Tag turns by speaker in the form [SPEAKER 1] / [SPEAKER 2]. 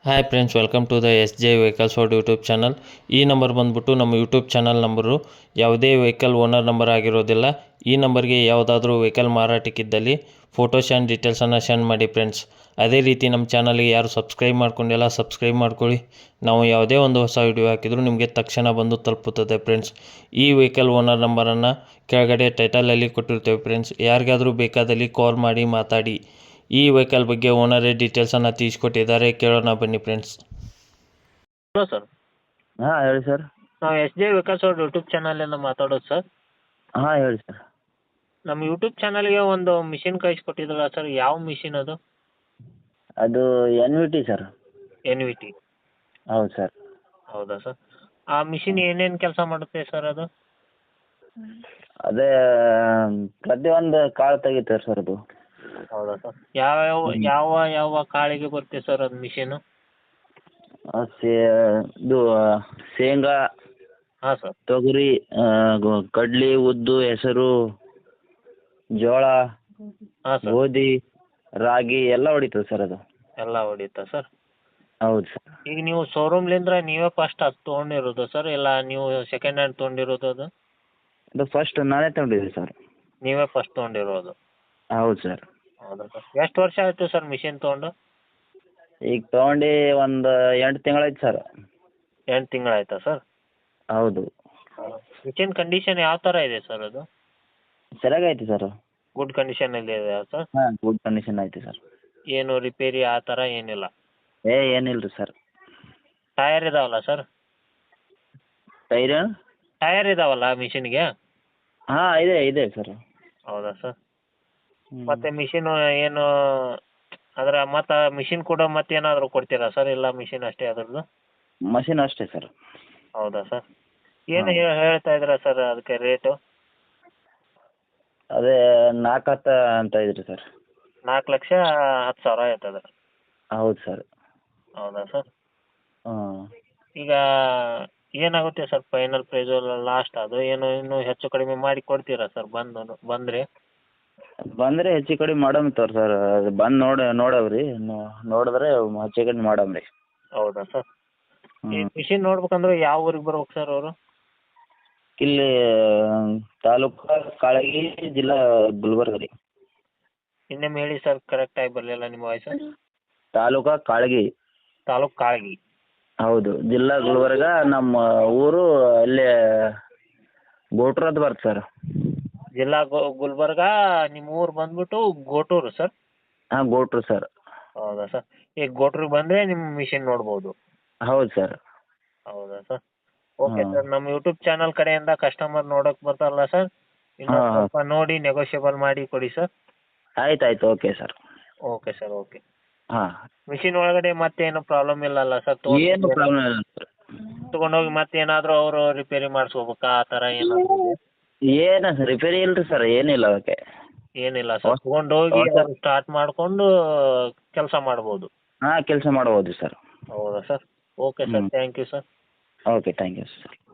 [SPEAKER 1] Hi friends, welcome to the S J vehicles for YouTube channel. ಈ number ಬಂದುಬಿಟ್ಟು ನಮ್ಮ YouTube channel number. ಯಾವುದೇ vehicle owner number ಆಗಿರೋದಿಲ್ಲ. ಈ ನಂಬರ್ಗೆ ಯಾವುದಾದ್ರೂ ವೆಹಿಕಲ್ ಮಾರಾಟಕ್ಕಿದ್ದಲ್ಲಿ ಫೋಟೋಸ್ ಆ್ಯಂಡ್ ಡೀಟೇಲ್ಸನ್ನು ಸೆಂಡ್ ಮಾಡಿ ಫ್ರೆಂಡ್ಸ್. ಅದೇ ರೀತಿ ನಮ್ಮ ಚಾನಲ್ಗೆ ಯಾರು ಸಬ್ಸ್ಕ್ರೈಬ್ ಮಾಡ್ಕೊಂಡಿಲ್ಲ ಸಬ್ಸ್ಕ್ರೈಬ್ ಮಾಡ್ಕೊಳ್ಳಿ. ನಾವು ಯಾವುದೇ ಒಂದು ಹೊಸ ವಿಡಿಯೋ ಹಾಕಿದರೂ ನಿಮಗೆ ತಕ್ಷಣ ಬಂದು ತಲುಪುತ್ತದೆ ಫ್ರೆಂಡ್ಸ್. ಈ ವೆಹಿಕಲ್ ಓನರ್ ನಂಬರನ್ನು ಕೆಳಗಡೆ ಟೈಟಲಲ್ಲಿ ಕೊಟ್ಟಿರ್ತೇವೆ ಫ್ರೆಂಡ್ಸ್. ಯಾರಿಗಾದರೂ ಬೇಕಾದಲ್ಲಿ ಕಾಲ್ ಮಾಡಿ ಮಾತಾಡಿ. ಈ ವೆಹಿಕಲ್ ಬಗ್ಗೆ ಓನರೇ ಡೀಟೇಲ್ಸನ್ನು ತಿಳಿಸ್ಕೊಟ್ಟಿದ್ದಾರೆ, ಕೇಳೋಣ ಬನ್ನಿ ಫ್ರೆಂಡ್ಸ್.
[SPEAKER 2] ಹಲೋ ಸರ್,
[SPEAKER 3] ಹಾಂ ಹೇಳಿ ಸರ್.
[SPEAKER 2] ನಾವು ಎಸ್ ಜೆ ವಿಕಾಸ್ ಅವ್ರ ಯೂಟ್ಯೂಬ್ ಚಾನಲಿಂದ ಮಾತಾಡೋದು ಸರ್.
[SPEAKER 3] ಹಾಂ ಹೇಳಿ ಸರ್.
[SPEAKER 2] ನಮ್ಮ ಯೂಟ್ಯೂಬ್ ಚಾನಲ್ಗೆ ಒಂದು ಮಿಷಿನ್ ಕಳಿಸ್ಕೊಟ್ಟಿದ್ರಲ್ಲ ಸರ್, ಯಾವ ಮಿಷಿನ್ ಅದು?
[SPEAKER 3] ಅದು N V T sir.
[SPEAKER 2] N V T.
[SPEAKER 3] ಹೌದು ಸರ್.
[SPEAKER 2] ಹೌದಾ ಸರ್? ಆ ಮಿಷಿನ್ ಏನೇನು ಕೆಲಸ ಮಾಡುತ್ತೆ ಸರ್ ಅದು?
[SPEAKER 3] ಅದೇ ಪ್ರತಿಯೊಂದು ಕಾಳು ತೆಗಿತಾರೆ ಸರ್ ಅದು.
[SPEAKER 2] ಹೌದಾ ಸರ್? ಯಾವ ಯಾವ ಯಾವ ಕಾಳಿಗೆ ಬರುತ್ತೆ ಸರ್ ಅದು ಮಿಷಿನು?
[SPEAKER 3] ಇದು ಶೇಂಗಾ,
[SPEAKER 2] ಹಾಂ ಸರ್.
[SPEAKER 3] ತೊಗರಿ, ಕಡ್ಲಿ, ಉದ್ದು, ಹೆಸರು, ಜೋಳ,
[SPEAKER 2] ಹಾಂ ಸರ್.
[SPEAKER 3] ಗೋಧಿ, ರಾಗಿ ಎಲ್ಲ ಹೊಡಿತದೆ ಸರ್ ಅದು.
[SPEAKER 2] ಎಲ್ಲ ಹೊಡಿತಾ ಸರ್?
[SPEAKER 3] ಹೌದು ಸರ್.
[SPEAKER 2] ಈಗ ನೀವು ಶೋರೂಮ್ಲಿಂದ ನೀವೇ ಫಸ್ಟ್ ಅದು ತೊಗೊಂಡಿರೋದು ಸರ್, ಇಲ್ಲ ನೀವು ಸೆಕೆಂಡ್ ಹ್ಯಾಂಡ್ ತೊಗೊಂಡಿರೋದು ಅದು?
[SPEAKER 3] ಅದು ಫಸ್ಟ್ ನಾನೇ ತಗೊಂಡಿದ್ದೆ ಸರ್.
[SPEAKER 2] ನೀವೇ ಫಸ್ಟ್ ತೊಗೊಂಡಿರೋದು?
[SPEAKER 3] ಹೌದು ಸರ್.
[SPEAKER 2] ಹೌದಾ ಸರ್? ಎಷ್ಟು ವರ್ಷ ಆಯಿತು ಸರ್ ಮಿಷಿನ್ ತೊಗೊಂಡು?
[SPEAKER 3] ಈಗ ತೊಗೊಂಡು ಒಂದು 8 ತಿಂಗಳಾಯ್ತು ಸರ್.
[SPEAKER 2] 8 ತಿಂಗಳಾಯ್ತಾ ಸರ್?
[SPEAKER 3] ಹೌದು.
[SPEAKER 2] ಮಿಷಿನ್ ಕಂಡೀಷನ್ ಯಾವ ಥರ ಇದೆ ಸರ್ ಅದು?
[SPEAKER 3] ಸರಿಯಾಗೈತೆ ಸರ್.
[SPEAKER 2] ಗುಡ್ ಕಂಡೀಷನಲ್ಲಿ ಇದೆ ಸರ್?
[SPEAKER 3] ಹಾಂ, ಗುಡ್ ಕಂಡೀಷನ್ ಐತೆ ಸರ್.
[SPEAKER 2] ಏನು ರಿಪೇರಿ ಆ ಥರ ಏನಿಲ್ಲ?
[SPEAKER 3] ಏನಿಲ್ಲ ರೀ ಸರ್.
[SPEAKER 2] ಟಯರ್ ಇದಾವಲ್ಲ ಸರ್?
[SPEAKER 3] ಟೈರ್?
[SPEAKER 2] ಟಯರ್ ಇದಾವಲ್ಲ ಮಿಷಿನ್ಗೆ?
[SPEAKER 3] ಹಾಂ, ಇದೆ ಸರ್.
[SPEAKER 2] ಹೌದಾ ಸರ್? ಮತ್ತು ಮಿಷಿನು ಏನು ಅದರ ಮತ್ತು ಮಿಷಿನ್ ಕೂಡ ಮತ್ತೇನಾದರೂ ಕೊಡ್ತೀರಾ ಸರ್, ಇಲ್ಲ ಮಿಷಿನ್ ಅಷ್ಟೇ ಅದ್ರದ್ದು?
[SPEAKER 3] ಮಷಿನ್ ಅಷ್ಟೇ ಸರ್.
[SPEAKER 2] ಹೌದಾ ಸರ್? ಏನು ಹೇಳ್ತಾ ಇದ್ದೀರಾ ಸರ್ ಅದಕ್ಕೆ ರೇಟು?
[SPEAKER 3] ಅದೇ 4-10 ಅಂತ ಇದ್ರಿ ಸರ್.
[SPEAKER 2] 4,10,000 ಆಯ್ತದ?
[SPEAKER 3] ಹೌದು ಸರ್.
[SPEAKER 2] ಹೌದಾ ಸರ್?
[SPEAKER 3] ಹಾಂ.
[SPEAKER 2] ಈಗ ಏನಾಗುತ್ತೆ ಸರ್ ಫೈನಲ್ ಪ್ರೈಸು ಲಾಸ್ಟ್ ಅದು ಏನು ಇನ್ನೂ ಹೆಚ್ಚು ಕಡಿಮೆ ಮಾಡಿ ಕೊಡ್ತೀರಾ ಸರ್ ಬಂದರೆ?
[SPEAKER 3] ಬಂದರೆ ಹೆಚ್ಚು ಕಡಿಮೆ ಮಾಡಮ್ ತೋರಿ ಸರ್. ಅದು ಬಂದು ನೋಡವ್ರಿ, ನೋಡಿದ್ರೆ ಹೆಚ್ಚು ಕಡಿಮೆ ಮಾಡಮ್ ರೀ.
[SPEAKER 2] ಹೌದಾ ಸರ್? ಈ
[SPEAKER 3] ಹ್ಞೂ.
[SPEAKER 2] ಮಿಷಿನ್ ನೋಡ್ಬೇಕಂದ್ರೆ ಯಾವ ಊರಿಗೆ ಬರ್ಬೇಕು ಸರ್ ಅವರು?
[SPEAKER 3] ಇಲ್ಲಿ ತಾಲೂಕು ಕಾಳಗಿ, ಜಿಲ್ಲಾ ಗುಲ್ಬರ್ಗ ರೀ.
[SPEAKER 2] ಇನ್ನೊಮ್ಮೆ ಹೇಳಿ ಸರ್, ಕರೆಕ್ಟಾಗಿ ಬರಲಿಲ್ಲ ನಿಮ್ಮ ವಾಯ್ಸು.
[SPEAKER 3] ತಾಲೂಕು ಕಾಳಗಿ.
[SPEAKER 2] ತಾಲೂಕು ಕಾಳಗಿ.
[SPEAKER 3] ಹೌದು. ಜಿಲ್ಲಾ ಗುಲ್ಬರ್ಗ. ನಮ್ಮ ಊರು ಅಲ್ಲೇ ಗೋಟ್ರ ಅಂತ ಬರುತ್ತೆ ಸರ್.
[SPEAKER 2] ಜಿಲ್ಲಾ ಗುಲ್ಬರ್ಗ. ನಿಮ್ಮ ಊರು ಬಂದ್ಬಿಟ್ಟು ಗೋಟೂರು ಸರ್?
[SPEAKER 3] ಹಾಂ, ಗೋಟ್ರು ಸರ್.
[SPEAKER 2] ಹೌದಾ ಸರ್? ಈಗ ಗೋಟ್ರಿಗೆ ಬಂದರೆ ನಿಮ್ಮ ಮಿಷಿನ್ ನೋಡ್ಬೋದು?
[SPEAKER 3] ಹೌದು ಸರ್.
[SPEAKER 2] ಹೌದಾ ಸರ್? ಓಕೆ
[SPEAKER 3] ಹಾಂ.
[SPEAKER 2] ಸರ್, ನಮ್ಮ ಯೂಟ್ಯೂಬ್ ಚಾನಲ್ ಕಡೆಯಿಂದ ಕಸ್ಟಮರ್ ನೋಡೋಕೆ ಬರ್ತಾರಲ್ಲ ಸರ್, ಇನ್ನೊಂದು
[SPEAKER 3] ಹಾಂ, ಹಾಂ.
[SPEAKER 2] ಸ್ವಲ್ಪ ನೋಡಿ ನೆಗೋಷಿಯಬಲ್ ಮಾಡಿ ಕೊಡಿ ಸರ್.
[SPEAKER 3] ಆಯ್ತು. Okay sir.
[SPEAKER 2] Okay sir, okay.
[SPEAKER 3] ಹಾಂ.
[SPEAKER 2] ಮಿಷಿನ್ ಒಳಗಡೆ ಮತ್ತೇನು ಪ್ರಾಬ್ಲಮ್ ಇಲ್ಲಲ್ಲ ಸರ್?
[SPEAKER 3] ಏನು ಪ್ರಾಬ್ಲಮ್ ಇಲ್ಲ ಸರ್.
[SPEAKER 2] ತೊಗೊಂಡೋಗಿ ಮತ್ತೇನಾದರೂ ಅವರು ರಿಪೇರಿ ಮಾಡಿಸ್ಕೋಬೇಕಾ ಆ ಥರ ಏನಾದರೂ?
[SPEAKER 3] ಏನು ರಿಪೇರಿ ಇಲ್ಲ ರೀ ಸರ್, ಏನಿಲ್ಲ ಅದಕ್ಕೆ.
[SPEAKER 2] ಏನಿಲ್ಲ ಸರ್, ತೊಗೊಂಡೋಗಿ ಸ್ಟಾರ್ಟ್ ಮಾಡಿಕೊಂಡು ಕೆಲಸ ಮಾಡ್ಬೋದು?
[SPEAKER 3] ಹಾಂ, ಕೆಲಸ ಮಾಡ್ಬೋದು ಸರ್.
[SPEAKER 2] ಹೌದಾ sir? Okay sir, thank you sir.
[SPEAKER 3] Okay, thank you sir.